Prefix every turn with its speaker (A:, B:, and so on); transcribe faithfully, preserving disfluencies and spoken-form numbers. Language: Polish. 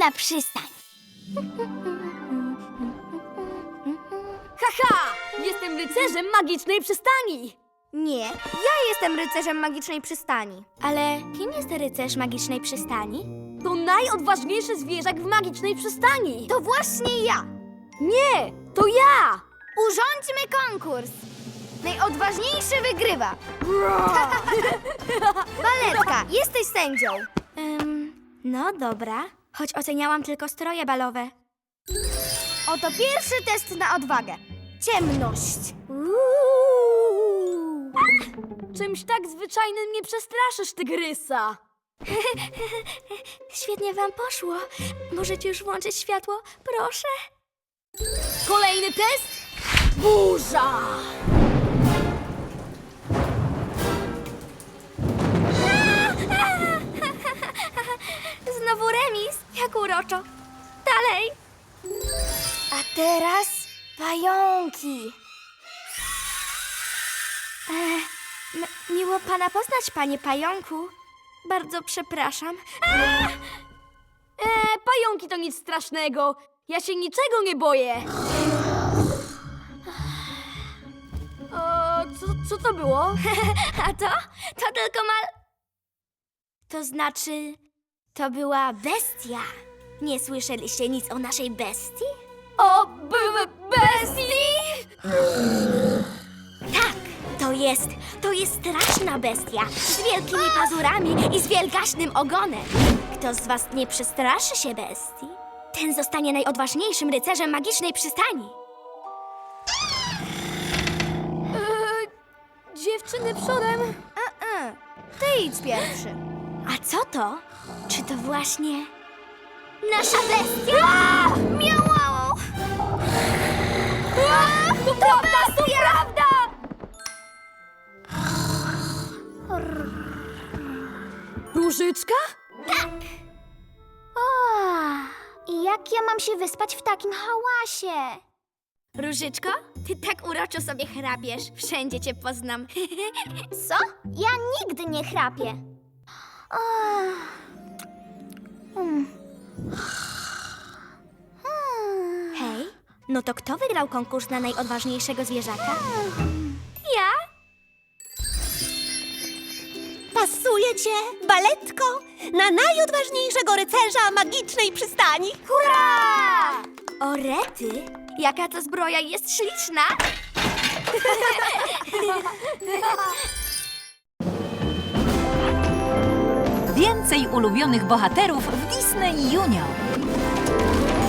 A: na przystań.
B: Haha! Jestem rycerzem magicznej przystani!
C: Nie, ja jestem rycerzem magicznej przystani.
A: Ale kim jest rycerz magicznej przystani?
B: To najodważniejszy zwierzak w magicznej przystani!
C: To właśnie ja.
B: Nie! To ja!
C: Urządźmy konkurs. Najodważniejszy wygrywa. Baletka, jesteś sędzią.
A: Um, no dobra, choć oceniałam tylko stroje balowe.
C: Oto pierwszy test na odwagę. Ciemność.
A: Uuu.
B: Czymś tak zwyczajnym nie przestraszysz tygrysa!
A: Świetnie wam poszło. Możecie już włączyć światło, proszę?
B: Kolejny test? Burza!
A: Znowu remis, jak uroczo. Dalej.
C: A teraz pająki.
A: E, m- miło pana poznać, panie pająku. Bardzo przepraszam.
B: Eee, pająki to nic strasznego! Ja się niczego nie boję! O, co, co to było?
A: A to? To tylko mal... To znaczy... To była bestia. Nie słyszeliście nic o naszej bestii?
B: O, b- b- bestii!
A: Tak, to jest, to jest straszna bestia z wielkimi pazurami i z wielgaśnym ogonem. Kto z was nie przestraszy się bestii, ten zostanie najodważniejszym rycerzem magicznej przystani.
B: Eee, dziewczyny przodem!
C: E-e. Ty idź pierwszy.
A: A co to? Czy to właśnie nasza bestia? Miau!
B: To prawda, to prawda! Różyczka?
A: O, i jak ja mam się wyspać w takim hałasie? Różyczko, ty tak uroczo sobie chrapiesz. Wszędzie cię poznam. Co? Ja nigdy nie chrapię. Hej, no to kto wygrał konkurs na najodważniejszego zwierzaka? Ja?
D: Pasuje cię, baletko, na najodważniejszego rycerza magicznej przystani.
A: Hurra! O rety, jaka to zbroja jest śliczna!
E: Więcej ulubionych bohaterów w Disney Junior.